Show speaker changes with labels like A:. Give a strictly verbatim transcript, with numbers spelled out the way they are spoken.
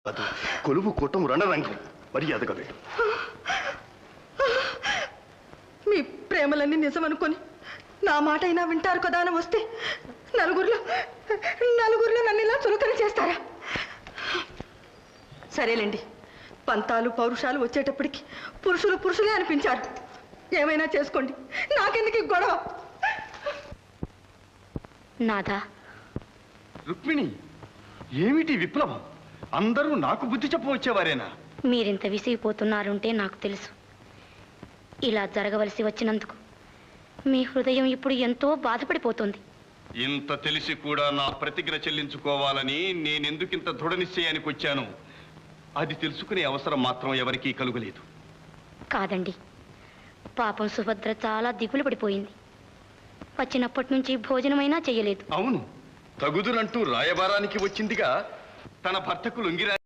A: ಅದು కొలువు కూటం రణరంగం మర్యాదగా వెళ్ళు.
B: మీ ప్రేమలన్నీ నిజమనుకొని నా మాట అయినా వింటారు కదా అని వస్తే నలుగురిలో నలుగురిలో నన్ను ఇలా చులకన చేస్తారా? సరేలేండి, పంతాలు పౌరుషాలు వచ్చేటప్పటికి పురుషులు పురుషులే అనిపించారు. ఏమైనా చేసుకోండి, నాకెందుకు గొడవ?
C: నాదా
A: రుక్మిణి, ఏమిటి విప్లవం? అందరూ నాకు బుద్ధి చెప్పవచ్చేవారేనా?
C: మీరింత విసిగిపోతున్నారంటే నాకు తెలుసు. ఇలా జరగవలసి వచ్చినందుకు మీ హృదయం ఇప్పుడు ఎంతో బాధపడిపోతుంది.
A: ఇంత తెలిసి కూడా నా ప్రతిజ్ఞ చెల్లించుకోవాలని నేనెందుకింత దృఢ నిశ్చయానికి వచ్చాను అది తెలుసుకునే అవసరం మాత్రం ఎవరికీ కలుగలేదు.
C: కాదండి, పాపం సుభద్ర చాలా దిగులు పడిపోయింది. వచ్చినప్పటి నుంచి భోజనమైనా చెయ్యలేదు.
A: అవును, తగుదునంటూ రాయబారానికి వచ్చిందిగా తన భర్తకు లొంగిరా